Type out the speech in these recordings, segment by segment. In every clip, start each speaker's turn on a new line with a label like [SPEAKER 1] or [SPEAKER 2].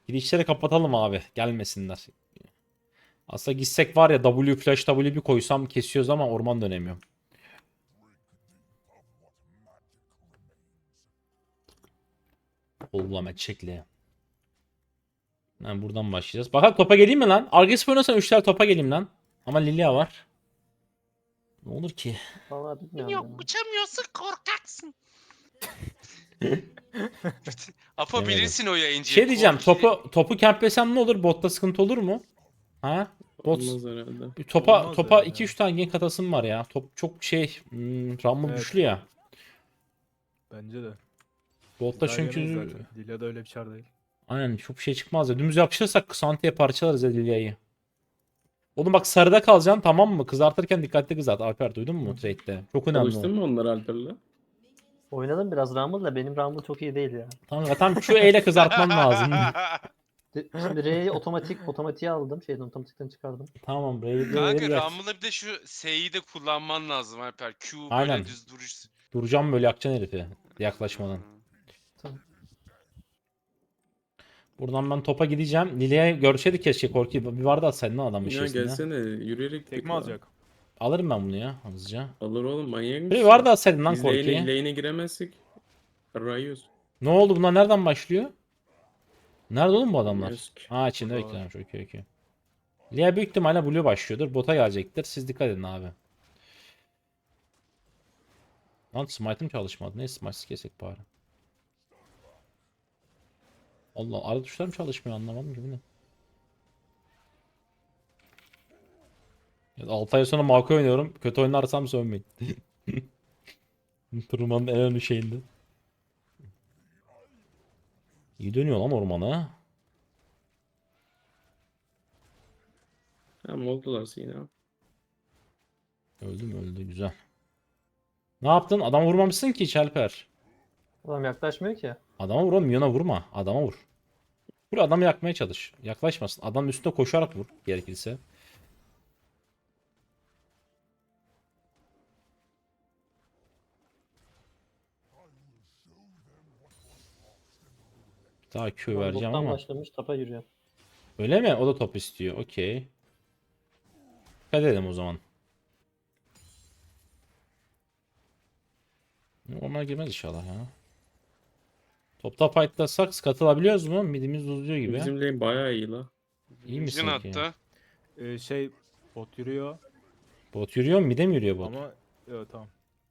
[SPEAKER 1] Girişleri kapatalım abi. Gelmesinler. Aslında gitsek var ya W flash W bir koysam kesiyoruz ama orman dönemiyorum. Oğlum çekli. Yani buradan başlayacağız. Bakalım topa geleyim mi lan? Agresif oynarsan 3'ler topa geleyim lan. Ama Lilia var. Ne olur ki?
[SPEAKER 2] Vallahi bilmiyorum
[SPEAKER 3] Yok
[SPEAKER 2] ya.
[SPEAKER 3] uçamıyorsun korkaksın. Apo
[SPEAKER 1] Demedim.
[SPEAKER 3] bilirsin o yayıncıyı.
[SPEAKER 1] Şey diyeceğim,
[SPEAKER 3] Korki.
[SPEAKER 1] topu camplesem ne olur? Botta sıkıntı olur mu? Ha? Bot
[SPEAKER 4] Olmaz herhalde.
[SPEAKER 1] topa
[SPEAKER 5] Olmaz ya.
[SPEAKER 1] 2-3 tane gank atasım var ya. Top çok şey, Rumble
[SPEAKER 5] Evet.
[SPEAKER 1] güçlü ya.
[SPEAKER 5] Bence de.
[SPEAKER 1] Botta
[SPEAKER 5] Daha yemeyiz
[SPEAKER 1] çünkü
[SPEAKER 5] zaten. Lilia da öyle bir çar değil.
[SPEAKER 1] aynen çok bir şey çıkmaz ya. Dümdüz yapışırsak Ksante'ye parçalarız ya Lilia'yı. Oğlum bak sarıda kalacaksın, tamam mı? Kızartırken dikkatli kızart. Alper duydun mu trade'de? Çok önemli o.
[SPEAKER 4] Çalıştın mı onlar Alper'le?
[SPEAKER 2] Oynadım biraz Rumble da benim Rumble çok iyi değil ya.
[SPEAKER 1] Tamam, tam şu eyle kızartman lazım.
[SPEAKER 2] Şimdi R'yi otomatiğe aldım. Otomatikten çıkardım.
[SPEAKER 1] Tamam, Brave'de
[SPEAKER 3] Kanka
[SPEAKER 1] biraz
[SPEAKER 3] Rumble'da bir de şu S'yi de kullanman lazım Alper. Q böyle
[SPEAKER 1] Aynen.
[SPEAKER 3] düz duruş.
[SPEAKER 1] duracağım, böyle yakacaksın herifi yaklaşmadan.
[SPEAKER 2] Tamam.
[SPEAKER 1] Buradan ben topa gideceğim. Lilia'yı görseydik keşke, Korki. Bir vardı atsaydın lan adam
[SPEAKER 4] Ya
[SPEAKER 1] içerisinde.
[SPEAKER 4] gelsene yürüyerek git
[SPEAKER 5] Tekme
[SPEAKER 4] lan.
[SPEAKER 5] alacak.
[SPEAKER 1] Alırım ben bunu ya hızlıca.
[SPEAKER 4] Alır oğlum manyak mısın?
[SPEAKER 1] Bir vardı atsaydın lan
[SPEAKER 4] Biz
[SPEAKER 1] Korki'yi.
[SPEAKER 4] lane'e giremezsek. Arayıyoruz.
[SPEAKER 1] Ne oldu, bunlar nereden başlıyor? Nerede oğlum bu adamlar?
[SPEAKER 4] Bilmiyoruz ki.
[SPEAKER 1] Ha, içinde
[SPEAKER 5] Burada var.
[SPEAKER 1] bekliyormuş. Okey okey. Lilia büyük ihtimalle Blue başlıyordur. Bota gelecektir. Siz dikkat edin abi. Lan smite'ım çalışmadı. Neyse smite'siz kesek bari. Allah, arada tuşlar mı çalışmıyor, anlamadım ki bu ne. Ya 6 ay sonra Mako oynuyorum. Kötü oynarsam sövmeyin. Turnuvanın en önemli şeyinde. İyi dönüyor lan ormana.
[SPEAKER 4] Tamam oldular yine.
[SPEAKER 1] Öldü mü, öldü, güzel. Ne yaptın? Adam vurmamışsın ki hiç Alper.
[SPEAKER 2] Adam yaklaşmıyor ki.
[SPEAKER 1] Adama vur oğlum, milyona vurma. Adama vur. Vur, adamı yakmaya çalış. Yaklaşmasın. Adamın üstüne koşarak vur gerekirse. Bir daha Q
[SPEAKER 2] Adam
[SPEAKER 1] vereceğim
[SPEAKER 2] bottan
[SPEAKER 1] ama.
[SPEAKER 2] başlamış tapa yürüyor.
[SPEAKER 1] Öyle mi? O da top istiyor. Okey. Dikkat edelim o zaman. Ormana girmez inşallah ya. Topta fightlasak katılabiliyoruz mu? Midimiz uzuyor gibi.
[SPEAKER 4] Bizim lane bayağı iyi la.
[SPEAKER 1] İyi misin
[SPEAKER 3] Jin
[SPEAKER 1] ki?
[SPEAKER 3] attı.
[SPEAKER 5] Şey bot yürüyor
[SPEAKER 1] Bot yürüyor mu? Mide mi yürüyor bot?
[SPEAKER 5] ama evet tamam.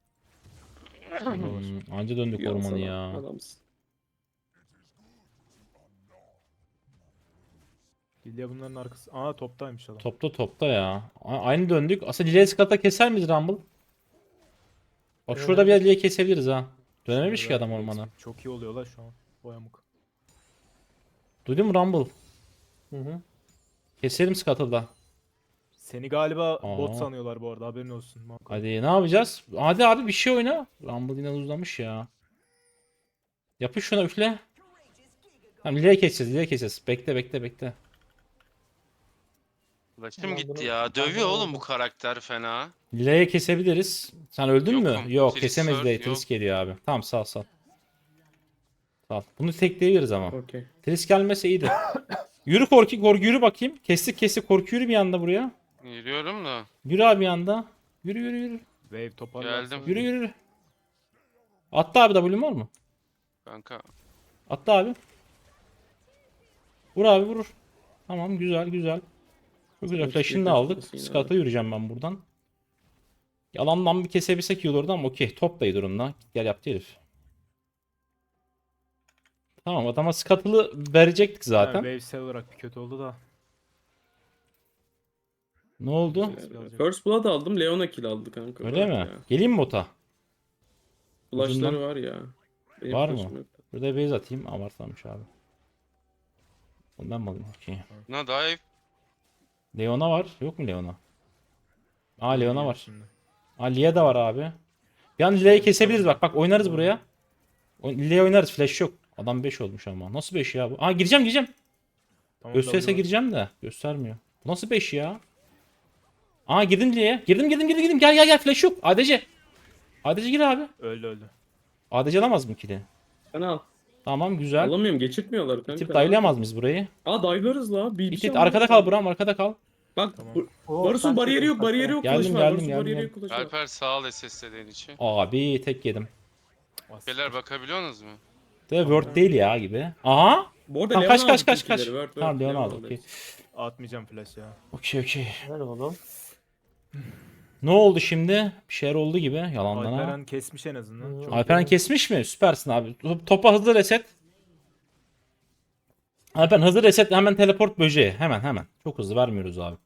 [SPEAKER 1] Anca döndük
[SPEAKER 4] Yansana,
[SPEAKER 1] ormanı ya.
[SPEAKER 4] Adamsın.
[SPEAKER 5] Lilia bunların arkası. Aa toptaymış adam.
[SPEAKER 1] Topta ya. Aynı döndük. Aslında Lily'e skata keser miyiz Rumble? Bak şurada bir Lily'e kesebiliriz ha. Dönememiş ki adam ormana.
[SPEAKER 5] Çok iyi oluyor la şu an. O yamuk.
[SPEAKER 1] Duydun mu Rumble?
[SPEAKER 2] Hı hı.
[SPEAKER 1] Keselim skatı da.
[SPEAKER 5] Seni galiba
[SPEAKER 1] Aa.
[SPEAKER 5] bot sanıyorlar bu arada haberin olsun. Mako.
[SPEAKER 1] Hadi ne yapacağız? Hadi abi bir şey oyna. Rumble yine uzamış ya. Yapış şuna, üfle. Tamam, Lily'e keseceğiz, Lily'e keseceğiz. Bekle.
[SPEAKER 3] Ulaşım
[SPEAKER 2] Ulan
[SPEAKER 3] gitti
[SPEAKER 2] bunu-
[SPEAKER 3] ya.
[SPEAKER 2] ben
[SPEAKER 3] Dövüyor
[SPEAKER 2] bunu
[SPEAKER 3] oğlum bu
[SPEAKER 2] aldım.
[SPEAKER 3] karakter fena.
[SPEAKER 1] Lily'e kesebiliriz. Sen öldün mü?
[SPEAKER 3] Yokum.
[SPEAKER 1] Yok,
[SPEAKER 3] Triss
[SPEAKER 1] kesemeyiz
[SPEAKER 3] var,
[SPEAKER 1] de.
[SPEAKER 3] yok.
[SPEAKER 1] Triss geliyor abi. Tamam, sal. Sal. Bunu tekleyebiliriz ama.
[SPEAKER 4] Okey.
[SPEAKER 1] Triss gelmese iyiydi. Yürü Korki, Korki yürü bakayım. Kestik Korki, yürü bir anda buraya.
[SPEAKER 3] Yürüyorum da.
[SPEAKER 1] Yürü abi bir anda. Yürü.
[SPEAKER 5] Wave toparlarsın.
[SPEAKER 3] Geldim.
[SPEAKER 1] Yürü. Attı abi, W'm var mı?
[SPEAKER 3] Kanka.
[SPEAKER 1] Attı abi. Vur abi, vur. Tamam, güzel. Çok güzel.
[SPEAKER 4] Hoş
[SPEAKER 1] Flash'ını da
[SPEAKER 4] geldin,
[SPEAKER 1] aldık.
[SPEAKER 4] Hüseyin
[SPEAKER 1] Skat'a
[SPEAKER 4] abi.
[SPEAKER 1] yürüyeceğim ben buradan. Yalandan bir kesebilsek iyi olurdu ama okey. Top da iyi durumda. Gel yaptı herif. Tamam, adama Scuttle'ı verecektik zaten.
[SPEAKER 5] Wave sell olarak bir kötü oldu da.
[SPEAKER 1] Ne oldu?
[SPEAKER 4] First Blood aldım. Leona kill aldı kanka.
[SPEAKER 1] Öyle
[SPEAKER 4] Var
[SPEAKER 1] mi?
[SPEAKER 4] ya.
[SPEAKER 1] Geleyim mi bota?
[SPEAKER 4] Flashları
[SPEAKER 1] Ucundan.
[SPEAKER 4] var ya. Benim
[SPEAKER 1] Var
[SPEAKER 4] flash'ım
[SPEAKER 1] mı?
[SPEAKER 4] yok.
[SPEAKER 1] Burada base atayım. Abartlamış abi. Ondan mı alayım? Okey.
[SPEAKER 3] Ne dive.
[SPEAKER 1] Leona var. Yok mu Leona? Aa, Leona var.
[SPEAKER 5] Şimdi.
[SPEAKER 1] Aa, Lia da var abi. Bir an Lia'yı kesebiliriz bak. Bak oynarız buraya. Lia'ya oynarız. Flash yok. Adam 5 olmuş ama. Nasıl 5 ya bu? Aa, gireceğim.
[SPEAKER 5] Tamam,
[SPEAKER 1] Gösterirse
[SPEAKER 5] W var.
[SPEAKER 1] gireceğim de. Göstermiyor. Bu nasıl 5 ya? Aa, girdim Lia'ya. Girdim. Gel. Flash yok. ADC. ADC gir abi.
[SPEAKER 5] Öldü.
[SPEAKER 1] ADC alamaz mı kili?
[SPEAKER 4] Sen al.
[SPEAKER 1] Tamam güzel.
[SPEAKER 4] Alamıyorum, geçirtmiyorlar kanka.
[SPEAKER 1] İtip dive'layamaz mıyız burayı?
[SPEAKER 4] Aa dive'larız la. Bir
[SPEAKER 1] İt
[SPEAKER 4] şey
[SPEAKER 1] it arkada kal Buram, arkada kal.
[SPEAKER 4] Bak
[SPEAKER 5] Tamam.
[SPEAKER 4] Varus'un bariyeri yok, bariyeri yok.
[SPEAKER 1] Geldim,
[SPEAKER 4] Flash var.
[SPEAKER 1] geldim,
[SPEAKER 4] Varus'un
[SPEAKER 1] geldim,
[SPEAKER 4] bariyeri
[SPEAKER 1] geldim.
[SPEAKER 4] yok. Flash var.
[SPEAKER 3] Alper sağ ol SS'den için.
[SPEAKER 1] Abi tek yedim.
[SPEAKER 3] Beyler bakabiliyorsunuz mu?
[SPEAKER 1] De Word değil ya gibi. Aha.
[SPEAKER 4] Bu arada
[SPEAKER 1] Tamam,
[SPEAKER 4] Leon
[SPEAKER 1] kaç, kaç,
[SPEAKER 4] aldı
[SPEAKER 1] kaç,
[SPEAKER 4] tilkileri.
[SPEAKER 1] kaç.
[SPEAKER 4] Word,
[SPEAKER 1] Tamam, Leon aldı,
[SPEAKER 4] aldı
[SPEAKER 1] okey.
[SPEAKER 4] hepsi.
[SPEAKER 5] Atmayacağım flash ya.
[SPEAKER 1] Okey okey.
[SPEAKER 2] Ver oğlum.
[SPEAKER 1] Ne oldu şimdi? Bir şeyler oldu gibi yalandan ha.
[SPEAKER 5] Alperen kesmiş en azından. Çok
[SPEAKER 1] Alperen
[SPEAKER 5] iyi.
[SPEAKER 1] kesmiş mi? Süpersin abi. Topa hızlı reset. Alperen hızlı reset, hemen teleport böceği. Hemen. Çok hızlı vermiyoruz abi.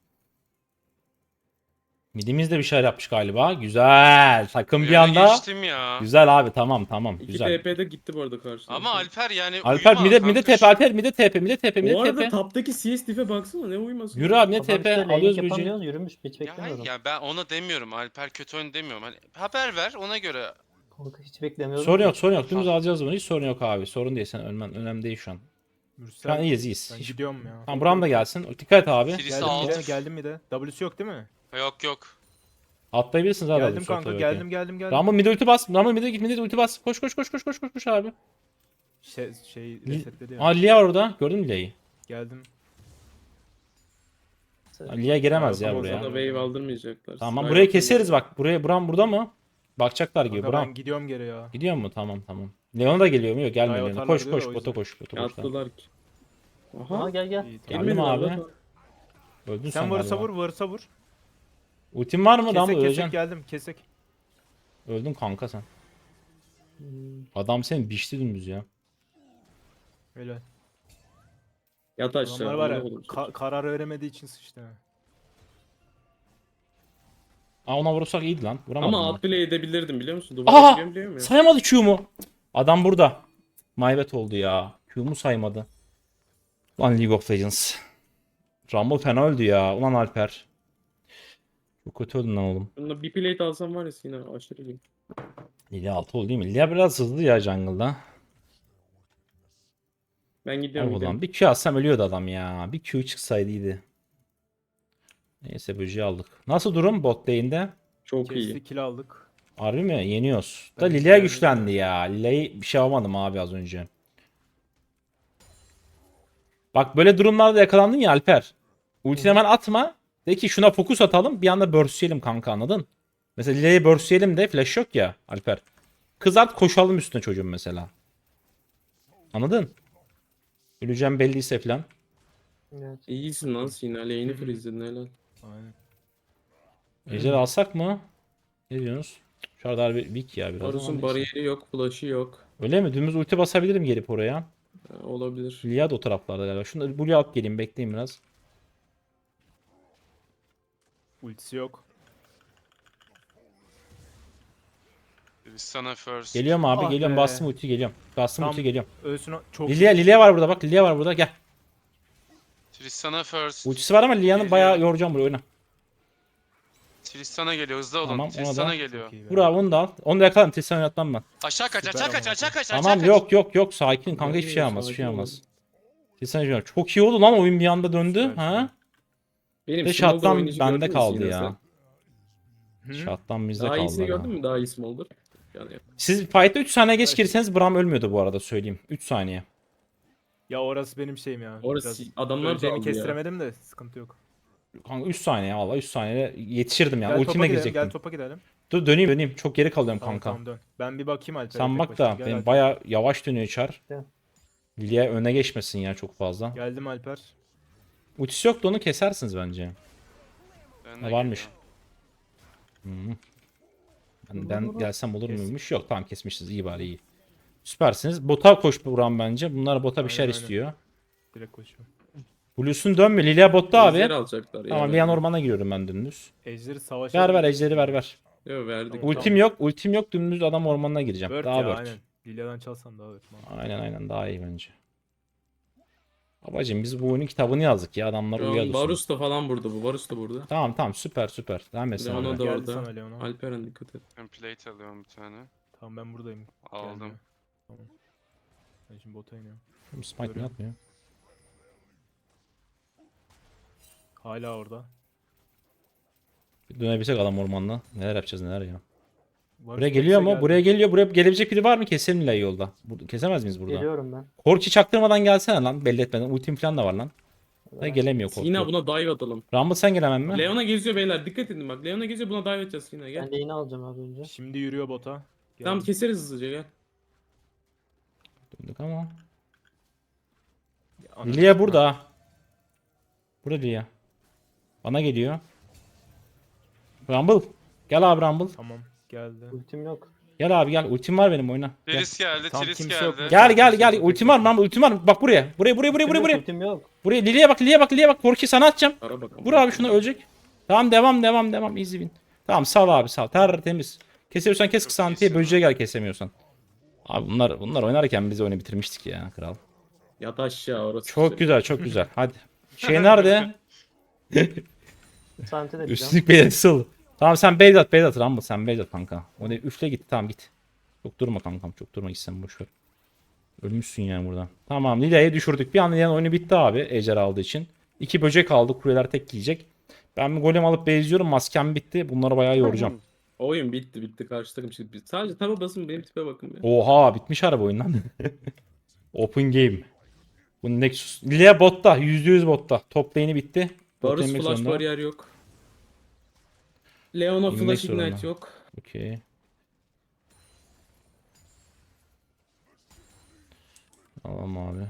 [SPEAKER 1] Midimiz de bir şeyler yapmış galiba. Güzel. Takım bir
[SPEAKER 3] Öne
[SPEAKER 1] anda.
[SPEAKER 3] geçtim ya.
[SPEAKER 1] Güzel abi, tamam.
[SPEAKER 4] İki
[SPEAKER 1] Güzel.
[SPEAKER 4] TP'de gitti bu arada karşıdan.
[SPEAKER 3] Ama Alper yani
[SPEAKER 1] Alper
[SPEAKER 3] uyuma
[SPEAKER 1] mide
[SPEAKER 3] kanka
[SPEAKER 1] TP,
[SPEAKER 3] şu-
[SPEAKER 1] Alper mide TP.
[SPEAKER 4] Bu arada taptaki CS diff'e baksana, ne uyuması.
[SPEAKER 1] Yürü abi, ne
[SPEAKER 2] Adam
[SPEAKER 1] TP
[SPEAKER 2] işte laning
[SPEAKER 1] alıyoruz böceği.
[SPEAKER 2] yapamıyoruz, yürümüş hiç
[SPEAKER 3] Ya hayır
[SPEAKER 2] beklemiyordum.
[SPEAKER 3] ya ben ona demiyorum. Alper kötü oyun demiyorum. Hani haber ver ona göre.
[SPEAKER 2] Kanka hiç beklemiyordum.
[SPEAKER 1] Sorun yok. Dümdüz alacağız bunu. Hiç sorun yok abi. Sorun değil, sen ölmen önemli değil şu an. Şu an
[SPEAKER 5] Mürsel.
[SPEAKER 1] iyiyiz.
[SPEAKER 5] Ben
[SPEAKER 1] Hiç...
[SPEAKER 5] gidiyorum ya.
[SPEAKER 1] Tamam, Buram da gelsin. Dikkat et abi.
[SPEAKER 3] Birisi
[SPEAKER 5] Geldim mi de?
[SPEAKER 3] alt.
[SPEAKER 5] Geldim mi de? W'su yok değil mi?
[SPEAKER 3] Yok.
[SPEAKER 1] Atlayabilirsiniz abi.
[SPEAKER 5] Geldim
[SPEAKER 1] abi,
[SPEAKER 5] kanka,
[SPEAKER 1] ortaya,
[SPEAKER 5] geldim.
[SPEAKER 1] okey. Rambo mide ulti bas. Rambo mide git, mide ulti bas. Koş abi.
[SPEAKER 5] Şey resetledi ya.
[SPEAKER 1] Aa, Lia var orada. Gördün mü Lia'yı?
[SPEAKER 5] Geldim.
[SPEAKER 1] Lia giremez ya
[SPEAKER 5] Tamam, o
[SPEAKER 1] buraya.
[SPEAKER 4] Sana wave aldırmayacaklar.
[SPEAKER 1] Tamam,
[SPEAKER 4] Sky
[SPEAKER 1] burayı
[SPEAKER 4] atın
[SPEAKER 1] keseriz
[SPEAKER 4] da.
[SPEAKER 1] bak. Buram burada mı? Bakacaklar gibi.
[SPEAKER 5] Kanka
[SPEAKER 1] Buram.
[SPEAKER 5] ben gidiyorum geri ya.
[SPEAKER 1] Gidiyor mu? Tamam. Leona da geliyor mu? Yok, gelmiyor.
[SPEAKER 5] Hayır,
[SPEAKER 1] Leona.
[SPEAKER 5] atarlar
[SPEAKER 1] Koş
[SPEAKER 5] diyor da o
[SPEAKER 1] bota
[SPEAKER 5] yüzden.
[SPEAKER 1] koş. Bota koş. Tamam.
[SPEAKER 4] Attılar ki.
[SPEAKER 2] Aha
[SPEAKER 4] Aha.
[SPEAKER 2] gel.
[SPEAKER 5] İyi, tamam.
[SPEAKER 1] Geldim
[SPEAKER 4] Gelmedi
[SPEAKER 1] abi.
[SPEAKER 4] abi.
[SPEAKER 1] Öldün
[SPEAKER 5] Sen varsa
[SPEAKER 1] galiba.
[SPEAKER 5] vur, varsa vur.
[SPEAKER 1] Ultin var mı? Rambo
[SPEAKER 5] Kesek
[SPEAKER 1] öleceksin.
[SPEAKER 5] geldim, kesek.
[SPEAKER 1] Öldün kanka sen.
[SPEAKER 2] Hmm.
[SPEAKER 1] Adam seni biçti dümdüz ya.
[SPEAKER 5] Öyle.
[SPEAKER 4] Yat aşağı.
[SPEAKER 5] Adamlar var ya,
[SPEAKER 4] amına koydum.
[SPEAKER 5] karar veremediği için sıçtı. ha.
[SPEAKER 1] Aa, ona vurursak iyiydi lan. Vuramadım.
[SPEAKER 4] Ama
[SPEAKER 1] ben.
[SPEAKER 4] out bile edebilirdim biliyor musun?
[SPEAKER 1] Aha!
[SPEAKER 4] Duvara biliyorum ya.
[SPEAKER 1] Sayamadı Q'mu. Adam burada. Maybet oldu ya. Q'mu saymadı. Ulan League of Legends. Rumble fena öldü ya. Ulan Alper. Çok kötü öldün lan oğlum.
[SPEAKER 4] Bunda bir plate alsam var ya yine aşırı iyi.
[SPEAKER 1] Lilia 6 oldu değil mi? Lilia biraz hızlı ya jungle'da.
[SPEAKER 4] Ben gidiyorum.
[SPEAKER 1] Ulan bir Q atsam ölüyordu adam ya. Bir Q çıksaydı iyiydi. Neyse böceği aldık. Nasıl durum bot lane'de?
[SPEAKER 4] Çok iyi.
[SPEAKER 5] Kesti, kill aldık.
[SPEAKER 1] Harbi mi? Yeniyoruz. Da
[SPEAKER 5] Ben
[SPEAKER 1] Lilia
[SPEAKER 5] Lilia'yı
[SPEAKER 1] güçlendi ya. Lilia'yı bir şey yapamadım abi az önce. Bak böyle durumlarda yakalandın ya Alper. Ultini hemen atma. De ki şuna fokus atalım. Bir anda burstleyelim kanka, anladın? Mesela Lilia'yı burstleyelim de flash yok ya Alper. Kızart, koşalım üstüne çocuğun mesela. Anladın? Öleceğim belliyse falan.
[SPEAKER 2] Evet.
[SPEAKER 4] İyisin lan Sina. Lane'i freeze'ledin helal.
[SPEAKER 5] Aynen.
[SPEAKER 1] Ejder alsak mı? Ne diyorsunuz? Şu arada harbi weak ya biraz ama
[SPEAKER 4] Varus'un
[SPEAKER 1] neyse.
[SPEAKER 4] bariyeri yok. Flash'ı yok.
[SPEAKER 1] Öyle mi? Dümdüz ulti basabilirim gelip oraya.
[SPEAKER 4] Ha, olabilir.
[SPEAKER 1] Lilia da o taraflarda galiba. Şunu buraya alıp geleyim, bekleyin biraz.
[SPEAKER 5] Ultisi yok.
[SPEAKER 3] Sana first.
[SPEAKER 1] Geliyorum abi,
[SPEAKER 5] Ah
[SPEAKER 1] geliyorum.
[SPEAKER 5] be.
[SPEAKER 1] Bastım ulti, geliyorum. Bastım
[SPEAKER 5] Tam-
[SPEAKER 1] ulti, geliyorum.
[SPEAKER 5] Ölsün o. Çok
[SPEAKER 1] Lilia var burada bak. Lilia var burada, gel.
[SPEAKER 3] Tristana first.
[SPEAKER 1] Ultisi var ama Lilia'nın
[SPEAKER 3] Geliyor.
[SPEAKER 1] bayağı yoracağım buraya, oyna.
[SPEAKER 3] Tristana geliyor hızlı olun.
[SPEAKER 1] Tamam, ona
[SPEAKER 3] Tristana
[SPEAKER 1] da-
[SPEAKER 3] geliyor.
[SPEAKER 5] Çok iyi be.
[SPEAKER 1] Vur abi, onu da al. Onu da yakalarım. Tristan oynatmam ben.
[SPEAKER 3] Aşağı kaç
[SPEAKER 5] Süper
[SPEAKER 3] aşağı kaç
[SPEAKER 5] ama.
[SPEAKER 3] aşağı kaç aşağı
[SPEAKER 1] Tamam,
[SPEAKER 3] kaç.
[SPEAKER 1] yok sakin kanka, hiçbir şey
[SPEAKER 4] Yok,
[SPEAKER 1] olmaz, hiçbir şey
[SPEAKER 4] sakin
[SPEAKER 1] olmaz.
[SPEAKER 4] ol.
[SPEAKER 1] Tristan oynuyor. Çok iyi oldu lan, oyun bir anda döndü.
[SPEAKER 5] Süper,
[SPEAKER 1] Ha?
[SPEAKER 4] Benim
[SPEAKER 1] Ve
[SPEAKER 4] Smolder
[SPEAKER 1] shot'tan
[SPEAKER 4] oynayışı
[SPEAKER 1] bende
[SPEAKER 4] gördün mü
[SPEAKER 1] kaldı
[SPEAKER 4] Sina
[SPEAKER 1] ya.
[SPEAKER 5] Hı?
[SPEAKER 1] Shot'tan bizde
[SPEAKER 4] Daha
[SPEAKER 1] kaldı.
[SPEAKER 4] iyisini
[SPEAKER 1] aga.
[SPEAKER 4] gördün mü? Daha iyi Smolder. Yani
[SPEAKER 1] Siz fight'ta 3 saniye geç girseniz Braum ölmüyordu bu arada, söyleyeyim. 3 saniye.
[SPEAKER 5] Ya orası benim şeyim ya.
[SPEAKER 4] orası
[SPEAKER 5] Biraz
[SPEAKER 4] adamlar da
[SPEAKER 5] öleceğimi
[SPEAKER 4] aldı ya.
[SPEAKER 5] kestiremedim de sıkıntı yok.
[SPEAKER 1] Kanka 3 saniye valla, 3 saniyede yetişirdim yani.
[SPEAKER 5] Gel
[SPEAKER 1] Ultimle
[SPEAKER 5] topa gidelim,
[SPEAKER 1] girecektim.
[SPEAKER 5] gel topa gidelim.
[SPEAKER 1] Dur döneyim. Çok geri kalıyorum
[SPEAKER 5] Tamam,
[SPEAKER 1] kanka.
[SPEAKER 5] tamam dön. Ben bir bakayım Alper'e.
[SPEAKER 1] Sen
[SPEAKER 5] tek
[SPEAKER 1] bak
[SPEAKER 5] başına.
[SPEAKER 1] da
[SPEAKER 5] Gel
[SPEAKER 1] benim
[SPEAKER 5] Alper.
[SPEAKER 1] baya yavaş dönüyor Char.
[SPEAKER 2] Gel.
[SPEAKER 1] Lilia öne geçmesin ya çok fazla.
[SPEAKER 5] Geldim Alper.
[SPEAKER 1] Ultisi yok da onu kesersiniz bence.
[SPEAKER 3] Ben
[SPEAKER 1] Ha,
[SPEAKER 3] de
[SPEAKER 1] varmış.
[SPEAKER 3] geliyorum.
[SPEAKER 1] Ben gelsem olur
[SPEAKER 5] Kes.
[SPEAKER 1] muymuş? Yok, tamam kesmişsiniz, iyi bari iyi. Süpersiniz. Bota koş Buram bence. Bunlar bota bir şeyler
[SPEAKER 5] Aynen, aynen.
[SPEAKER 1] istiyor.
[SPEAKER 5] Direkt koşuyorum.
[SPEAKER 1] Blues'un dönme. Lilia botta
[SPEAKER 4] Ejder
[SPEAKER 1] abi.
[SPEAKER 4] alacaklar ya.
[SPEAKER 1] Tamam, Lian ormana giriyorum ben dümdüz.
[SPEAKER 5] Ejderi savaşa...
[SPEAKER 1] Ver ejderi ver.
[SPEAKER 4] Yok verdik.
[SPEAKER 5] Tamam.
[SPEAKER 1] Ultim yok dümdüz adam ormanına gireceğim.
[SPEAKER 5] Word
[SPEAKER 1] Daha
[SPEAKER 5] ya
[SPEAKER 1] word.
[SPEAKER 5] aynen. Lilia'dan çalsan daha word. Mantıklı.
[SPEAKER 1] Aynen daha iyi bence. Babacım biz bu oyunun kitabını yazdık ya, adamlar
[SPEAKER 4] Şu an
[SPEAKER 1] uyuyordu.
[SPEAKER 4] Varus da falan burada bu. Varus da burada.
[SPEAKER 1] Tamam süper. Devam et sen
[SPEAKER 4] Leona
[SPEAKER 1] abi.
[SPEAKER 4] da
[SPEAKER 5] Geldi
[SPEAKER 4] orada.
[SPEAKER 5] sana Leona.
[SPEAKER 4] Alperen dikkat et.
[SPEAKER 3] Ben plate alıyorum bir tane.
[SPEAKER 5] Tamam ben buradayım.
[SPEAKER 3] Aldım.
[SPEAKER 5] Gelme. Tamam. Ben şimdi bota iniyorum.
[SPEAKER 1] Smite mi
[SPEAKER 5] Görüyorum.
[SPEAKER 1] atmıyor?
[SPEAKER 5] Hala orada.
[SPEAKER 1] Bir dönebilsek adam ormanla. Neler yapacağız neler ya.
[SPEAKER 5] Varus
[SPEAKER 1] Buraya geliyor mu?
[SPEAKER 5] geldi.
[SPEAKER 1] Buraya geliyor. Buraya gelebilecek biri var mı? Keselim Lile'yi yolda. Kesemez miyiz burada?
[SPEAKER 2] Geliyorum ben.
[SPEAKER 1] Korki çaktırmadan gelsene lan. Belli etmeden. Ultim falan da var lan. Da
[SPEAKER 2] Ben-
[SPEAKER 1] gelemiyor Korki.
[SPEAKER 4] Sina buna dive atalım.
[SPEAKER 1] Rumble sen gelemem mi?
[SPEAKER 4] Leona geziyor beyler. Dikkat edin bak. Leona geziyor, buna dive edeceğiz Sina. Gel.
[SPEAKER 2] Ben de yine alacağım abi önce.
[SPEAKER 5] Şimdi yürüyor bota.
[SPEAKER 4] Tamam,
[SPEAKER 5] Geldim.
[SPEAKER 4] keseriz hızlıca, gel.
[SPEAKER 1] Döndük ama.
[SPEAKER 5] Ananı
[SPEAKER 1] Lilia
[SPEAKER 5] sikeyim
[SPEAKER 1] burada ha. Burada Lilia. Bana geliyor. Rumble. Gel abi Rumble.
[SPEAKER 5] ben. Tamam geldi.
[SPEAKER 2] Ultim yok.
[SPEAKER 1] Gel abi gel. Ultim var benim oyna. Gel.
[SPEAKER 3] Tris geldi,
[SPEAKER 5] Tam
[SPEAKER 3] Tris
[SPEAKER 5] kimse yok.
[SPEAKER 3] geldi.
[SPEAKER 1] Gel. Ultim var Rumble. Ultim var. Bak buraya. Buraya.
[SPEAKER 2] Ultim yok.
[SPEAKER 1] Buraya Lilia'ya bak. Korki sana atacağım.
[SPEAKER 4] Ara bakalım.
[SPEAKER 1] Vur abi şuna ölecek. Tamam devam. Easy win. Tamam sal abi sal. Tertemiz. Kesebiliyorsan kes
[SPEAKER 3] Çok
[SPEAKER 1] kısa antiye
[SPEAKER 3] iyisin
[SPEAKER 1] böceğe gel kesemiyorsan. Abi bunlar oynarken biz oyunu bitirmiştik ya kral.
[SPEAKER 4] Yat aşağı orası.
[SPEAKER 1] Çok güzel güzel. Hadi. Şey nerede?
[SPEAKER 2] Sante de diyeceğim.
[SPEAKER 1] Üstlük belirtisi oldu. Tamam sen base at Rumble sen base at kanka. O ne üfle git tamam git. Çok durma kankam çok durma gitsen boşver. Ölmüşsün yani buradan. Tamam Lilia'yı düşürdük. Bir anda yani oyunu bitti abi ejder aldığı için. 2 böcek aldı kuleler tek yiyecek. Ben bir golem alıp base'liyorum maskem bitti. Bunları bayağı yoracağım.
[SPEAKER 4] Oyun bitti. Karşı takım çıktı. Sadece taba basın, benim tipe bakın bir.
[SPEAKER 1] Oha bitmiş araba oyun lan. Open game. Bu Nexus. Lilia botta. %100 botta. Top lane'i bitti. Bot
[SPEAKER 4] Varus
[SPEAKER 1] yemek
[SPEAKER 4] flash
[SPEAKER 1] zorunda.
[SPEAKER 4] bariyer yok. Leona
[SPEAKER 1] İnmek
[SPEAKER 4] flash
[SPEAKER 1] zorunda.
[SPEAKER 4] ignite yok.
[SPEAKER 1] Okey. Tamam abi.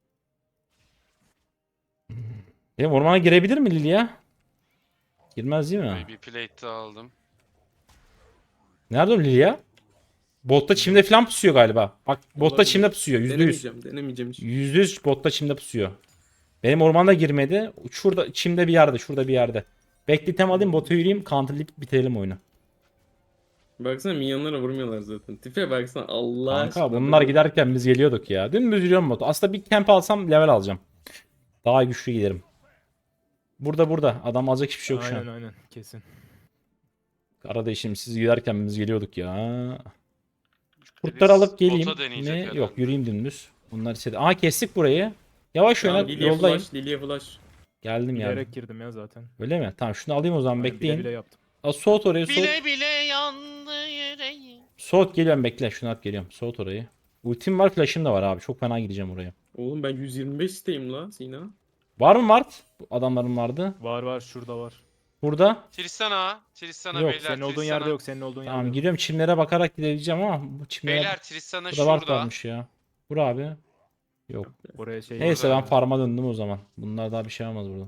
[SPEAKER 1] Ya ormana girebilir mi Lilia? Girmez değil mi?
[SPEAKER 3] Bir plate daha aldım.
[SPEAKER 1] Nerede o Lilia? Botta çimde falan pusuyor galiba. Bak botta
[SPEAKER 4] Olabilir.
[SPEAKER 1] çimde pusuyor. %100.
[SPEAKER 4] Denemeyeceğim hiç.
[SPEAKER 1] %100 botta çimde pusuyor. Benim ormanda girmedi. Şurada çimde bir yerde. Şurada bir yerde. Bekletem alayım bota yürüyeyim. Counterlayıp bitirelim oyunu.
[SPEAKER 4] Baksana minyonlara vurmuyorlar zaten. Tipe baksana Allah
[SPEAKER 1] Kanka
[SPEAKER 4] aşkına.
[SPEAKER 1] bunlar giderken biz geliyorduk ya. Dümdüz yürüyorum botu. Aslında bir camp alsam level alacağım. Daha güçlü giderim. Burada. Adam alacak hiçbir şey yok şu an.
[SPEAKER 5] Aynen kesin.
[SPEAKER 1] Kardeşim siz giderken biz geliyorduk ya. Kurtları
[SPEAKER 3] Tris
[SPEAKER 1] alıp geleyim
[SPEAKER 3] bota deneyecek
[SPEAKER 1] mi?
[SPEAKER 3] herhalde.
[SPEAKER 1] Yok yürüyeyim dümdüz. Bunlar istedi. Aa kestik burayı. Yavaş oyna
[SPEAKER 4] Tamam, Lilia
[SPEAKER 1] yoldayım.
[SPEAKER 4] flash, Lilia flash.
[SPEAKER 1] Geldim yani.
[SPEAKER 5] Bilerek girdim ya zaten.
[SPEAKER 1] Öyle mi? Tamam şunu alayım o zaman
[SPEAKER 5] Aynen,
[SPEAKER 1] bekleyin.
[SPEAKER 5] bile yaptım.
[SPEAKER 1] Soğut orayı soğut.
[SPEAKER 3] Bile bile yandı yüreğim.
[SPEAKER 1] Soğut geliyorum bekle. Şunu at geliyorum. Soğut orayı. Ultim var flash'ım da var abi. Çok fena gideceğim oraya.
[SPEAKER 4] Oğlum ben 125 isteyim la Sina.
[SPEAKER 1] Var mı Mart? Bu adamların vardı.
[SPEAKER 5] Var şurada var.
[SPEAKER 1] Burada.
[SPEAKER 3] Tristana
[SPEAKER 1] Yok,
[SPEAKER 3] beyler.
[SPEAKER 5] Senin olduğun
[SPEAKER 3] Tristana.
[SPEAKER 5] yerde yok. Senin olduğun yerde
[SPEAKER 1] Tamam
[SPEAKER 5] yok.
[SPEAKER 1] giriyorum çimlere bakarak gidebileceğim ama bu çimlere
[SPEAKER 3] Beyler Tristana
[SPEAKER 1] burada var
[SPEAKER 3] şurada.
[SPEAKER 1] kalmış ya. Vur abi. Yok.
[SPEAKER 5] Buraya şey
[SPEAKER 1] Neyse
[SPEAKER 3] Burada.
[SPEAKER 1] ben farma döndüm o zaman. Bunlar daha bir şey olmaz burada.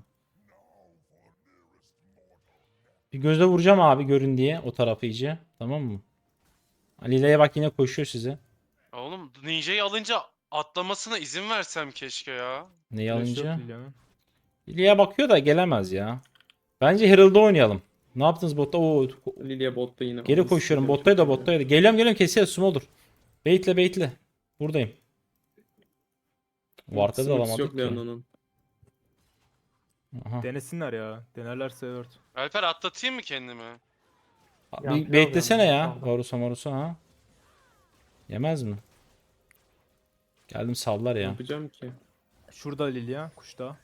[SPEAKER 1] Bir gözle vuracağım abi görün diye o tarafı iyice. Tamam mı? Lila'ya bak yine koşuyor size.
[SPEAKER 3] Oğlum Ninja'yı alınca atlamasına izin versem keşke ya.
[SPEAKER 1] Neyi
[SPEAKER 5] Flash
[SPEAKER 1] alınca?
[SPEAKER 5] yok Lilia'nın.
[SPEAKER 1] Lilia'ya bakıyor da gelemez ya. Bence Herald'da oynayalım. Ne yaptınız botta? Oo,
[SPEAKER 4] Lilia botta yine.
[SPEAKER 1] geri koşuyorum. Bottaydı da bottaydı. Geliyorum kesiyor smolder. Baitle. Buradayım. Ward'da da alamadık
[SPEAKER 4] yok
[SPEAKER 1] ki.
[SPEAKER 4] Leona'nın.
[SPEAKER 1] Aha.
[SPEAKER 5] Denesinler ya. Denerlerse evet.
[SPEAKER 3] Alper atlatayım mı kendimi?
[SPEAKER 1] Bir beklesene ya. Varusa ha. Yemez mi? Geldim sallar
[SPEAKER 4] Ne
[SPEAKER 1] ya.
[SPEAKER 4] yapacağım ki?
[SPEAKER 5] Şurada Lilia. Kuşta.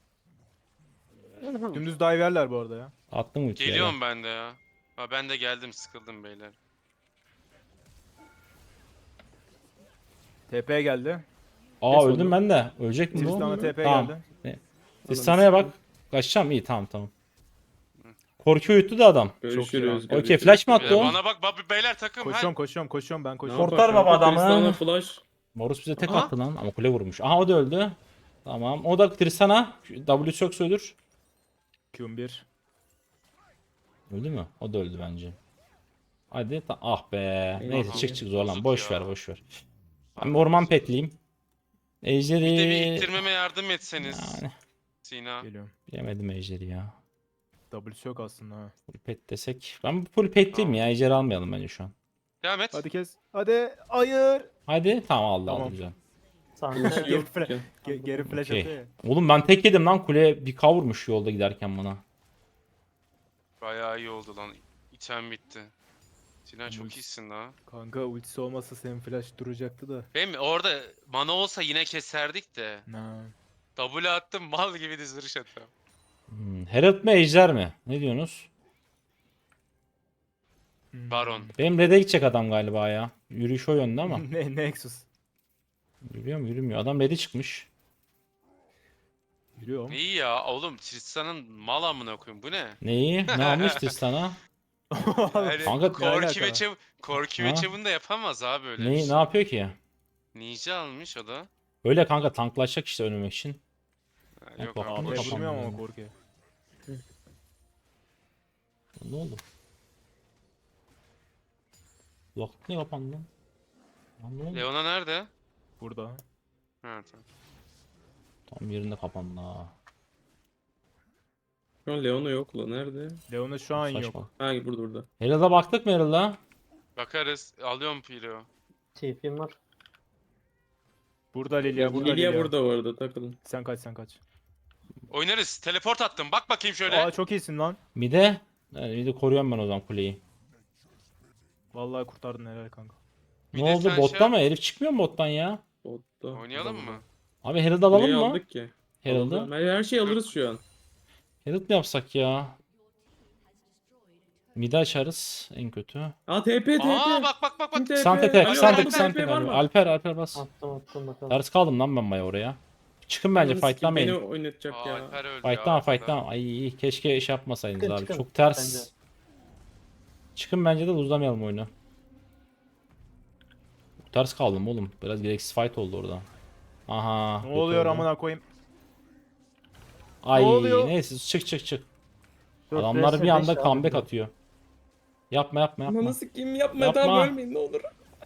[SPEAKER 5] Dümdüz diverler bu arada ya.
[SPEAKER 1] Attım ultiyi. ya.
[SPEAKER 3] Geliyorum ben de ya. Ha ben de geldim sıkıldım beyler.
[SPEAKER 5] TP geldi.
[SPEAKER 1] Aa
[SPEAKER 4] Kes
[SPEAKER 1] öldüm
[SPEAKER 4] onu.
[SPEAKER 1] ben de. Ölecek mi bu?
[SPEAKER 5] Tristan'a TP
[SPEAKER 1] Tamam.
[SPEAKER 5] geldi.
[SPEAKER 1] Tristana'ya bak. Kaçacağım iyi tamam. Korku uyuttu da adam.
[SPEAKER 4] Görüşürüz.
[SPEAKER 1] Okey flash mı attı o?
[SPEAKER 3] Bana bak beyler takım.
[SPEAKER 5] Koşuyorum ben
[SPEAKER 4] Ne
[SPEAKER 5] koşuyorum.
[SPEAKER 1] Korkar
[SPEAKER 4] yapar
[SPEAKER 1] baba
[SPEAKER 4] kanka?
[SPEAKER 1] adamı.
[SPEAKER 4] Tristana flash.
[SPEAKER 1] Morus bize tek
[SPEAKER 3] Aha.
[SPEAKER 1] attı lan ama kule vurmuş. Aha o da öldü. Tamam. O da Tristana. W yoksa ölür.
[SPEAKER 5] Q1.
[SPEAKER 1] Öldü mü? O da öldü bence. Hadi ah be. Neyse
[SPEAKER 4] Aha.
[SPEAKER 1] çık zorlan.
[SPEAKER 3] Bozuk
[SPEAKER 1] Boş
[SPEAKER 3] ya.
[SPEAKER 1] ver. Ben orman petliyim. Ejderi.
[SPEAKER 3] Bir de bir ittirmeme yardım etseniz.
[SPEAKER 1] Yani
[SPEAKER 3] Sina.
[SPEAKER 5] Geliyorum.
[SPEAKER 1] bilemedim ejderi ya.
[SPEAKER 5] W'si yok aslında ha.
[SPEAKER 1] Full pet desek. Ben full petliyim
[SPEAKER 3] Tamam.
[SPEAKER 1] ya. Ejderi almayalım bence şu an.
[SPEAKER 3] Devam et.
[SPEAKER 5] Hadi kes. Hadi. Hayır.
[SPEAKER 1] Hadi tamam aldı
[SPEAKER 5] Tamam.
[SPEAKER 1] aldı güzel.
[SPEAKER 2] Sante
[SPEAKER 4] Yok
[SPEAKER 5] flash.
[SPEAKER 4] ki.
[SPEAKER 5] Geri flash
[SPEAKER 1] Okey.
[SPEAKER 5] atıyor ya.
[SPEAKER 1] Oğlum ben tek yedim lan kule bir kavurmuş yolda giderken bana.
[SPEAKER 3] Bayağı iyi oldu lan. İtem bitti. Sina çok
[SPEAKER 5] Ulti.
[SPEAKER 3] iyisin la.
[SPEAKER 5] Kanka ultisi olmasa senin flash duracaktı da.
[SPEAKER 3] Benim orada mana olsa yine keserdik de.
[SPEAKER 5] Na.
[SPEAKER 3] W attım mal gibi diziliş attım.
[SPEAKER 1] Herald mi ejder mi? Ne diyorsunuz?
[SPEAKER 3] Baron.
[SPEAKER 1] Benim red'e gidecek adam galiba ya. Yürüyüş o yönde ama.
[SPEAKER 5] Ne Nexus.
[SPEAKER 1] Yürüyor mu yürümüyor. Adam red'e çıkmış.
[SPEAKER 5] Yürüyor mu?
[SPEAKER 3] İyi ya oğlum Tristan'ın mal amına koyayım bu ne?
[SPEAKER 1] Neyi? Ne almıştır sana?
[SPEAKER 3] Yani
[SPEAKER 1] Kanka-
[SPEAKER 3] Korki ve
[SPEAKER 5] alaka?
[SPEAKER 3] Korki
[SPEAKER 1] Ha?
[SPEAKER 3] ve Çevun da yapamaz abi öyle bir
[SPEAKER 1] Ne
[SPEAKER 3] şey.
[SPEAKER 1] yapıyor ki?
[SPEAKER 3] Ninja almış o da.
[SPEAKER 1] Öyle kanka tanklaşacak işte önümek için.
[SPEAKER 3] Ha, Yok
[SPEAKER 1] bak,
[SPEAKER 3] abi
[SPEAKER 1] AP
[SPEAKER 5] AP
[SPEAKER 3] boş.
[SPEAKER 1] kapandı
[SPEAKER 5] vurmuyor ama
[SPEAKER 1] yani.
[SPEAKER 5] korkuyor.
[SPEAKER 1] Ne oldu? Vakit ne kapandı? Lan ne oldu?
[SPEAKER 3] Leona nerede?
[SPEAKER 5] Burada.
[SPEAKER 3] Ha tamam.
[SPEAKER 1] Tam yerinde kapandı ha.
[SPEAKER 4] Şu an Leona yok la. Nerede?
[SPEAKER 5] Leona şu an
[SPEAKER 1] Saçma.
[SPEAKER 5] yok.
[SPEAKER 4] Ha burada.
[SPEAKER 1] Herald'a baktık mı Herald'a?
[SPEAKER 3] Bakarız. Alıyorum Piro.
[SPEAKER 2] TP'm var.
[SPEAKER 5] Burada Lilia, burada
[SPEAKER 4] Lilia
[SPEAKER 5] Lilia.
[SPEAKER 4] burada bu arada takılın.
[SPEAKER 5] Sen kaç, sen kaç.
[SPEAKER 3] Oynarız. Teleport attım. Bak bakayım şöyle.
[SPEAKER 5] Aa çok iyisin lan.
[SPEAKER 1] Mide. Yani mide koruyorum ben o zaman kuleyi.
[SPEAKER 5] Vallahi kurtardın, helal kanka.
[SPEAKER 3] Bir
[SPEAKER 1] Ne
[SPEAKER 3] de
[SPEAKER 1] oldu
[SPEAKER 3] sen
[SPEAKER 1] botta
[SPEAKER 3] şey-
[SPEAKER 1] mı? Herif çıkmıyor mu bottan ya?
[SPEAKER 4] Botta.
[SPEAKER 3] Oynayalım mı?
[SPEAKER 1] Abi Herald alalım
[SPEAKER 4] Kuleyi
[SPEAKER 1] mı?
[SPEAKER 4] aldık ki.
[SPEAKER 1] Herald'ı.
[SPEAKER 4] Aldı. Her şeyi alırız şu an.
[SPEAKER 1] Herald mi yapsak ya? Mide açarız en kötü.
[SPEAKER 4] Aa TP.
[SPEAKER 3] Aa bak.
[SPEAKER 4] TP.
[SPEAKER 1] Sante tek,
[SPEAKER 3] Alo,
[SPEAKER 1] Sante
[SPEAKER 3] Alper,
[SPEAKER 1] Sante
[SPEAKER 4] var
[SPEAKER 1] galiba.
[SPEAKER 4] mı?
[SPEAKER 1] Alper bas.
[SPEAKER 2] Attım bakalım.
[SPEAKER 1] Ters kaldım lan ben baya oraya. Çıkın bence
[SPEAKER 4] Ananı sikeyim, Beni
[SPEAKER 1] fightlamayın.
[SPEAKER 4] oynatacak
[SPEAKER 3] Aa,
[SPEAKER 4] ya.
[SPEAKER 3] Alper öldü
[SPEAKER 1] Fightlan
[SPEAKER 3] ya.
[SPEAKER 1] fightlan. Ay keşke iş yapmasaydınız
[SPEAKER 2] Çıkın,
[SPEAKER 1] abi.
[SPEAKER 2] çıkın.
[SPEAKER 1] Çok ters.
[SPEAKER 2] Bence.
[SPEAKER 1] Çıkın bence de uzamayalım oyunu. Çok ters kaldım oğlum. Biraz gereksiz fight oldu orada. Aha.
[SPEAKER 5] Ne
[SPEAKER 1] kötü
[SPEAKER 5] oluyor
[SPEAKER 1] oldu.
[SPEAKER 5] amına koyayım?
[SPEAKER 1] Ay
[SPEAKER 5] Ne oluyor?
[SPEAKER 1] neyse çık.
[SPEAKER 2] 4
[SPEAKER 1] Adamlar
[SPEAKER 2] vs
[SPEAKER 1] bir anda
[SPEAKER 2] 5 abi
[SPEAKER 1] comeback
[SPEAKER 2] bu.
[SPEAKER 1] atıyor. Yapma.
[SPEAKER 4] Ananı sikeyim yapma.
[SPEAKER 1] Yapma.
[SPEAKER 4] Tamam ölmeyin ne olur.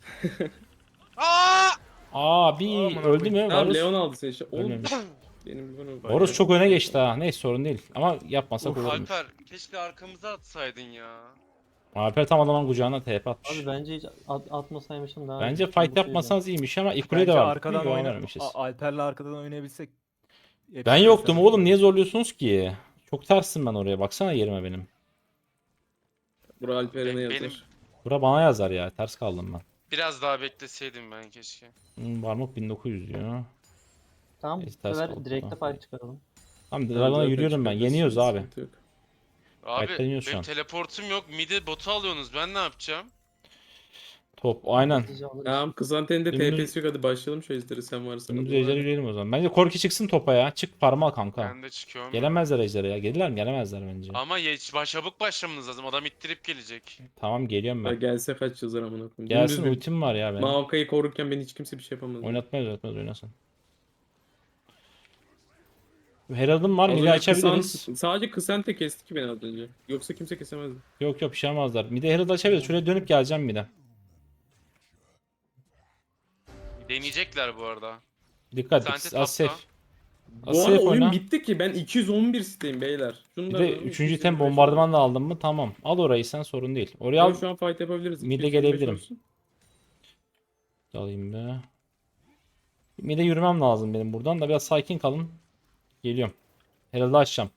[SPEAKER 3] Aa!
[SPEAKER 1] Abi
[SPEAKER 5] Aman
[SPEAKER 1] öldü mü?
[SPEAKER 4] Tamam
[SPEAKER 1] Varus.
[SPEAKER 4] Leon aldı seni işte. Oğlum.
[SPEAKER 1] Ölmemiş.
[SPEAKER 4] Benim bunu.
[SPEAKER 1] Varus çok öne geçti ha. Neyse sorun değil. Ama yapmasak olurmuş.
[SPEAKER 3] Alper keşke arkamıza atsaydın ya.
[SPEAKER 1] Alper tam adamın kucağına TP atmış.
[SPEAKER 2] Abi bence hiç atmasaymışım daha.
[SPEAKER 1] Bence
[SPEAKER 2] iyi.
[SPEAKER 1] fight
[SPEAKER 2] Bu şeyden.
[SPEAKER 1] yapmasanız iyiymiş ama ilk kuleye de
[SPEAKER 5] Bence
[SPEAKER 1] var.
[SPEAKER 5] arkadan
[SPEAKER 1] İyi
[SPEAKER 5] oyna.
[SPEAKER 1] oynarmışız.
[SPEAKER 5] Alper'le arkadan oynayabilsek.
[SPEAKER 1] Ben yoktum oğlum. Niye zorluyorsunuz ki? Çok tersim ben oraya. Baksana yerime benim.
[SPEAKER 4] Bura Alperen'e
[SPEAKER 3] Benim
[SPEAKER 4] yazar.
[SPEAKER 1] Bura bana yazar ya. Ters kaldım ben.
[SPEAKER 3] biraz daha bekleseydim ben keşke.
[SPEAKER 1] Varmok 1900 diyor.
[SPEAKER 2] Tamam bu
[SPEAKER 1] Neyse, ters
[SPEAKER 2] sefer
[SPEAKER 1] kaldı.
[SPEAKER 2] direkte fight çıkaralım.
[SPEAKER 1] Tamam
[SPEAKER 4] Tamam,
[SPEAKER 1] Dragon'a
[SPEAKER 4] zaten
[SPEAKER 1] yürüyorum ben.
[SPEAKER 4] çıkarız,
[SPEAKER 1] Yeniyoruz abi.
[SPEAKER 4] sıkıntı yok.
[SPEAKER 3] Abi
[SPEAKER 1] Bekleniyoruz şu
[SPEAKER 3] benim
[SPEAKER 1] an.
[SPEAKER 3] teleportum yok. Midi botu alıyorsunuz. Ben ne yapacağım?
[SPEAKER 1] Top aynen.
[SPEAKER 2] Hızlıca alırız.
[SPEAKER 4] Tamam Kızanten'in de
[SPEAKER 1] Dümdüz-
[SPEAKER 4] TP'si yok hadi başlayalım şu ejderi sen varsan.
[SPEAKER 1] Dümdüz ejderi yürüyelim o zaman. Bence Korki çıksın topa ya. Çık parmağı kanka.
[SPEAKER 3] Ben de çıkıyorum.
[SPEAKER 1] Gelemezler ejdere ya. Gelirler mi? Gelemezler bence.
[SPEAKER 3] Ama çabuk başlamanız lazım. Adam ittirip gelecek.
[SPEAKER 1] Tamam geliyorum
[SPEAKER 4] Ha,
[SPEAKER 1] ben.
[SPEAKER 4] gelse kaç yazar amına koyayım.
[SPEAKER 1] Gelsin
[SPEAKER 4] Dümdüz bir-
[SPEAKER 1] ultim var ya benim.
[SPEAKER 4] Maokai'yi korurken beni hiç kimse bir şey yapamaz.
[SPEAKER 1] Oynatmaz oynasın. Herald'ım var.
[SPEAKER 4] Az
[SPEAKER 1] Midi
[SPEAKER 4] önce
[SPEAKER 1] açabiliriz.
[SPEAKER 4] sadece Kısante kesti ki beni az önce. Yoksa kimse kesemezdi.
[SPEAKER 1] Yok bir şey yapmazlar. Midi Herald açabiliriz. Şuraya dönüp geleceğim mide.
[SPEAKER 3] Deneyecekler bu arada.
[SPEAKER 1] Dikkat
[SPEAKER 3] Sante
[SPEAKER 1] et.
[SPEAKER 3] tapta.
[SPEAKER 1] Az safe.
[SPEAKER 4] Bu
[SPEAKER 1] Az
[SPEAKER 4] arada
[SPEAKER 1] safe
[SPEAKER 4] oyun
[SPEAKER 1] oyna.
[SPEAKER 4] bitti ki ben 211 siteyim beyler. Şunu
[SPEAKER 1] Bir
[SPEAKER 4] da
[SPEAKER 1] de
[SPEAKER 4] alalım,
[SPEAKER 1] 3. item
[SPEAKER 4] 225
[SPEAKER 1] bombardıman da aldın mı? Tamam. Al orayı sen sorun değil. Oraya
[SPEAKER 4] alalım.
[SPEAKER 1] al.
[SPEAKER 4] Şu an fight yapabiliriz.
[SPEAKER 1] Mid'e
[SPEAKER 4] 225
[SPEAKER 1] gelebilirim.
[SPEAKER 4] olsun.
[SPEAKER 1] Alayım be. Mide yürümem lazım benim buradan da biraz sakin kalın. Geliyorum. Herald'ı açacağım.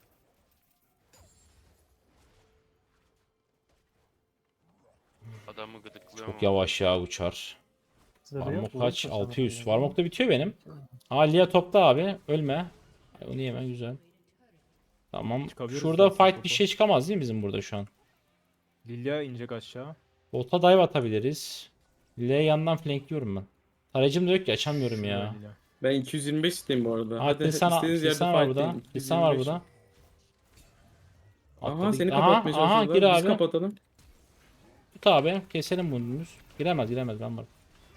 [SPEAKER 3] Adamı gıdıklıyor
[SPEAKER 1] Çok
[SPEAKER 3] mu?
[SPEAKER 1] yavaş ya uçar.
[SPEAKER 2] Zırhı
[SPEAKER 1] Varmok
[SPEAKER 2] yok,
[SPEAKER 1] kaç?
[SPEAKER 2] vurursa
[SPEAKER 1] 600.
[SPEAKER 2] sana.
[SPEAKER 1] Varmok da bitiyor benim. Lia topta abi. Ölme. Ay, onu yeme güzel. Tamam.
[SPEAKER 5] Çıkabiliriz
[SPEAKER 1] Şurada
[SPEAKER 5] zaten
[SPEAKER 1] fight bir
[SPEAKER 5] topa.
[SPEAKER 1] şey çıkamaz değil mi bizim burada şu an?
[SPEAKER 5] Lilia inecek aşağı.
[SPEAKER 1] Bota dive atabiliriz. Lia'yı yandan flankliyorum ben. Tarayıcım da yok ki açamıyorum ya.
[SPEAKER 5] Şurada Lilia.
[SPEAKER 4] Ben 225 siteyim bu arada.
[SPEAKER 1] Hadi Lisan var burada. Lisan var burada.
[SPEAKER 4] Aha
[SPEAKER 1] Atladı.
[SPEAKER 4] seni
[SPEAKER 1] Aha,
[SPEAKER 4] kapatmaya
[SPEAKER 1] aha,
[SPEAKER 4] çalışıyorlar.
[SPEAKER 1] gir
[SPEAKER 4] Biz
[SPEAKER 1] abi.
[SPEAKER 4] kapatalım.
[SPEAKER 1] Tut abi. Keselim bunu dümdüz. Giremez ben varım.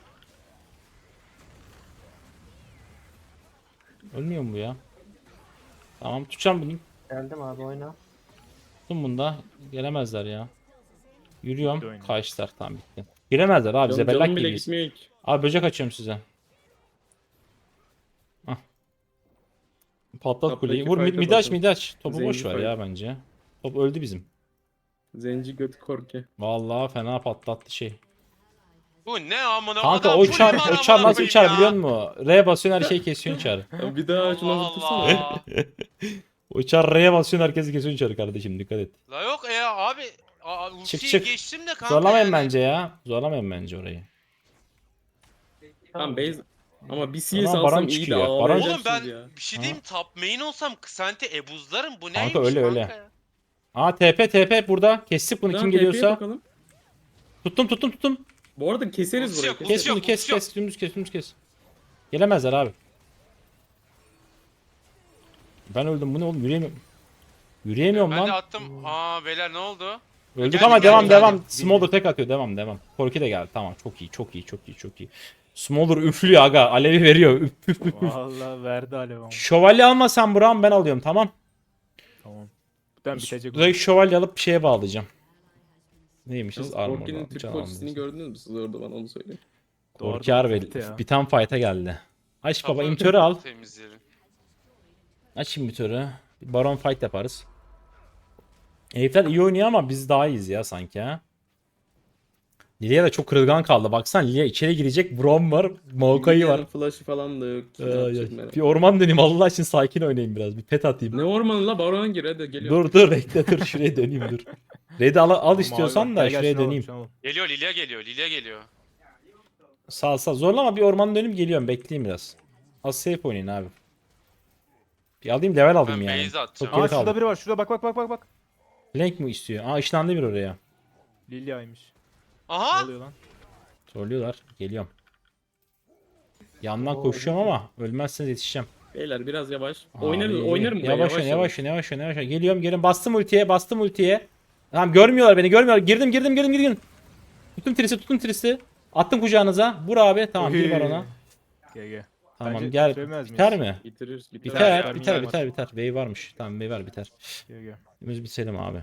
[SPEAKER 1] Ölmüyor mu bu ya? Tamam tutacağım bunu.
[SPEAKER 2] Geldim abi oyna.
[SPEAKER 1] Tuttum bunu da. Gelemezler ya.
[SPEAKER 5] Bitti
[SPEAKER 1] Yürüyorum.
[SPEAKER 5] oyun.
[SPEAKER 1] Kaçtılar tamam bitti. Giremezler abi.
[SPEAKER 4] Canım
[SPEAKER 1] Zebellak
[SPEAKER 4] bile
[SPEAKER 1] gibiyiz.
[SPEAKER 4] gitmiyor ki.
[SPEAKER 1] Abi böcek açıyorum size. Hah. Patlat
[SPEAKER 4] Taptaki
[SPEAKER 1] kuleyi. Vur
[SPEAKER 4] fight'a
[SPEAKER 1] mid aç
[SPEAKER 4] bakın.
[SPEAKER 1] mid aç. Topu
[SPEAKER 4] Zenci
[SPEAKER 1] boş ver
[SPEAKER 4] fight.
[SPEAKER 1] ya bence. Top öldü bizim.
[SPEAKER 4] Zenci göt korke.
[SPEAKER 1] Vallahi fena patlattı şey.
[SPEAKER 3] Bu ne amına?
[SPEAKER 1] Kanka
[SPEAKER 3] Adam
[SPEAKER 1] o
[SPEAKER 3] full
[SPEAKER 1] uçar,
[SPEAKER 3] mana
[SPEAKER 1] uçar
[SPEAKER 3] amına
[SPEAKER 1] nasıl
[SPEAKER 3] koyayım
[SPEAKER 1] uçar
[SPEAKER 3] ya.
[SPEAKER 1] biliyor musun? R'ye basıyorsun her şeyi kesiyorsun uçar.
[SPEAKER 4] Ya bir daha şunu
[SPEAKER 3] Allah
[SPEAKER 4] hazırlasana.
[SPEAKER 3] Allah.
[SPEAKER 1] Uçar R'ye basıyorsun herkesi kesiyorsun uçar kardeşim dikkat et.
[SPEAKER 3] La yok ya abi. Ultiyi
[SPEAKER 1] çık.
[SPEAKER 3] geçtim de kanka
[SPEAKER 1] Zorlamayın
[SPEAKER 3] yani.
[SPEAKER 1] bence ya. Zorlamayın bence orayı.
[SPEAKER 4] Tamam base. Ama bir CS
[SPEAKER 1] Ama Baron
[SPEAKER 4] alsam iyi de
[SPEAKER 1] çıkıyor. Baron-
[SPEAKER 3] Oğlum
[SPEAKER 4] ağlayacaksınız
[SPEAKER 3] ben
[SPEAKER 4] ya.
[SPEAKER 3] bir şey diyeyim top main olsam Kısante ebuzlarım bu neymiş
[SPEAKER 1] Kanka, öyle,
[SPEAKER 3] kanka
[SPEAKER 1] öyle.
[SPEAKER 3] ya?
[SPEAKER 1] Aa TP burada. Kestik bunu
[SPEAKER 4] Tamam,
[SPEAKER 1] kim
[SPEAKER 4] TP'ye
[SPEAKER 1] geliyorsa.
[SPEAKER 4] bakalım.
[SPEAKER 1] Tuttum.
[SPEAKER 4] Bu arada keseriz
[SPEAKER 3] Ultisi
[SPEAKER 4] burayı.
[SPEAKER 3] yok,
[SPEAKER 4] keseriz.
[SPEAKER 1] Kes bunu
[SPEAKER 3] yok,
[SPEAKER 1] kes
[SPEAKER 3] yok.
[SPEAKER 1] kes. Dümdüz kes. Gelemezler abi. Ben öldüm. Bu ne oğlum? Yürüyemiyorum
[SPEAKER 3] Ben de
[SPEAKER 1] lan.
[SPEAKER 3] attım. Aa beyler ne oldu?
[SPEAKER 1] Öldük
[SPEAKER 3] Geldi,
[SPEAKER 1] ama
[SPEAKER 3] geldi,
[SPEAKER 1] devam.
[SPEAKER 3] geldi.
[SPEAKER 1] Smolder tek atıyor. Devam. Korki de geldi. Tamam. Çok iyi. Smolder üflüyor aga. Alevi veriyor. Üf.
[SPEAKER 5] Vallahi verdi alev ama.
[SPEAKER 1] Şövalye almasan Burak'ım ben alıyorum tamam.
[SPEAKER 5] Tamam. Ben bitecek.
[SPEAKER 1] Direkt şövalye alıp bir şeye bağlayacağım. Neymişiz?
[SPEAKER 4] Yalnız
[SPEAKER 1] Armor.
[SPEAKER 4] Korki'nin Türk ultisini gördünüz mü siz orada, bana onu söyleyin.
[SPEAKER 1] Korki harbi
[SPEAKER 5] Bitti ya.
[SPEAKER 1] bir tam fight'a geldi. Aç baba
[SPEAKER 3] Kapı
[SPEAKER 1] imitörü al.
[SPEAKER 3] Temizleyelim.
[SPEAKER 1] Aç imitörü. Bir baron fight yaparız. Herifler iyi oynuyor ama biz daha iyiyiz ya sanki ha. Lilia da çok kırılgan kaldı. Baksana Lilia içeri girecek. Braum var. Maokai var.
[SPEAKER 4] Lilia'nın flash'ı falan da yok. ki, ne
[SPEAKER 1] Ay,
[SPEAKER 4] yapacak
[SPEAKER 1] ay.
[SPEAKER 4] merak.
[SPEAKER 1] Bir orman döneyim Allah için sakin oynayayım biraz. Bir pet atayım.
[SPEAKER 4] Ne ormanı la, barona gir hadi geliyor.
[SPEAKER 1] Dur bekle dur şuraya döneyim dur. Red'i al istiyorsan da şuraya döneyim.
[SPEAKER 3] Geliyor Lilia geliyor.
[SPEAKER 1] Sağ zorlama bir orman dönüp geliyorum bekleyeyim biraz. Az safe oynayın abi. Bir alayım level aldım
[SPEAKER 3] Ben
[SPEAKER 1] yani.
[SPEAKER 3] base atacağım.
[SPEAKER 1] Çok geri
[SPEAKER 5] Aa şurada
[SPEAKER 1] kaldım.
[SPEAKER 5] biri var. Şurada bak.
[SPEAKER 1] Flank mi istiyor? Aa ışınlandı bir oraya.
[SPEAKER 5] Lilia'ymış. Ne
[SPEAKER 3] Aha!
[SPEAKER 5] oluyor lan?
[SPEAKER 1] Zorluyorlar. Geliyorum. Yandan koşuyorum ama ölmezseniz yetişeceğim.
[SPEAKER 4] Beyler biraz yavaş.
[SPEAKER 1] Abi,
[SPEAKER 4] Oynarım buraya,
[SPEAKER 1] Yavaş. Geliyorum gelin bastım ultiye. Tamam görmüyorlar. Girdim. Tuttum trisi. Attım kucağınıza. Vur abi. Tamam
[SPEAKER 5] Oy.
[SPEAKER 1] bir var ona.
[SPEAKER 5] GG.
[SPEAKER 1] Tamam
[SPEAKER 5] Bence
[SPEAKER 1] gel.
[SPEAKER 5] bitiremez miyiz?
[SPEAKER 1] Biter mi?
[SPEAKER 4] Bitiririz.
[SPEAKER 1] Biter.
[SPEAKER 5] Biter.
[SPEAKER 1] Wave varmış. Tamam wave var biter.
[SPEAKER 5] GG.
[SPEAKER 1] Biz bitirelim abi.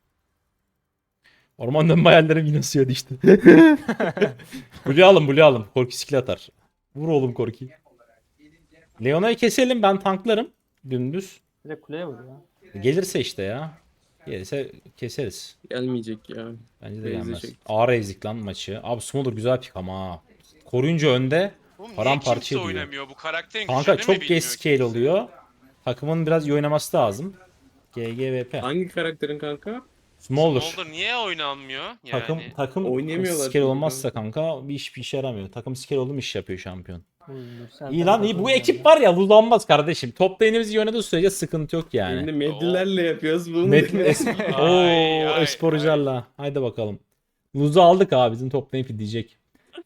[SPEAKER 1] Orman dönme hayallerim yine suya düştü. Blue alın. Korki skill atar. Vur oğlum Korki. Leona'yı keselim ben tanklarım. Dümdüz.
[SPEAKER 2] Direkt kuleye vur ya.
[SPEAKER 1] Gelirse işte ya. Gelirse keseriz.
[SPEAKER 4] Gelmeyecek ya.
[SPEAKER 1] Bence de
[SPEAKER 4] Raze'e
[SPEAKER 1] gelmez.
[SPEAKER 4] çekti.
[SPEAKER 1] Ağır ezik lan maçı. Abi Smolder güzel pik ama ha. Koruyunca önde.
[SPEAKER 3] Oğlum niye
[SPEAKER 1] Paramparça
[SPEAKER 3] kimse
[SPEAKER 1] ediyor.
[SPEAKER 3] oynamıyor? Bu karakterin
[SPEAKER 1] Kanka
[SPEAKER 3] gücünü mü
[SPEAKER 1] çok
[SPEAKER 3] bilmiyor
[SPEAKER 1] geç scale
[SPEAKER 3] kimse?
[SPEAKER 1] oluyor. Takımın biraz iyi oynaması lazım. GGVP.
[SPEAKER 4] Hangi karakterin kanka?
[SPEAKER 1] Smolder.
[SPEAKER 3] Smolder niye oynanmıyor? Yani.
[SPEAKER 1] Takım
[SPEAKER 4] Oynayamıyorlar
[SPEAKER 1] scale
[SPEAKER 4] çünkü
[SPEAKER 1] olmazsa kanka bir işe yaramıyor. Takım scale oldu mu iş yapıyor şampiyon.
[SPEAKER 2] Sen
[SPEAKER 1] İyi lan iyi. Bu ekip var ya luzlanmaz kardeşim. Top lane'imiz iyi oynadığı sürece sıkıntı yok yani.
[SPEAKER 4] Şimdi medlilerle yapıyoruz bunu.
[SPEAKER 3] Ay, ay,
[SPEAKER 1] Esporcularla. Haydi bakalım. Luz'u aldık abi. Bizim top lane diyecek.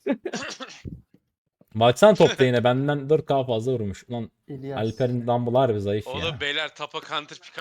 [SPEAKER 1] Baksana top lane'e benden 4K fazla vurmuş. Ulan
[SPEAKER 2] İlyas.
[SPEAKER 1] Alper'in Dumble'ı harbi zayıf ya.
[SPEAKER 3] Oğlum beyler tapa counter pick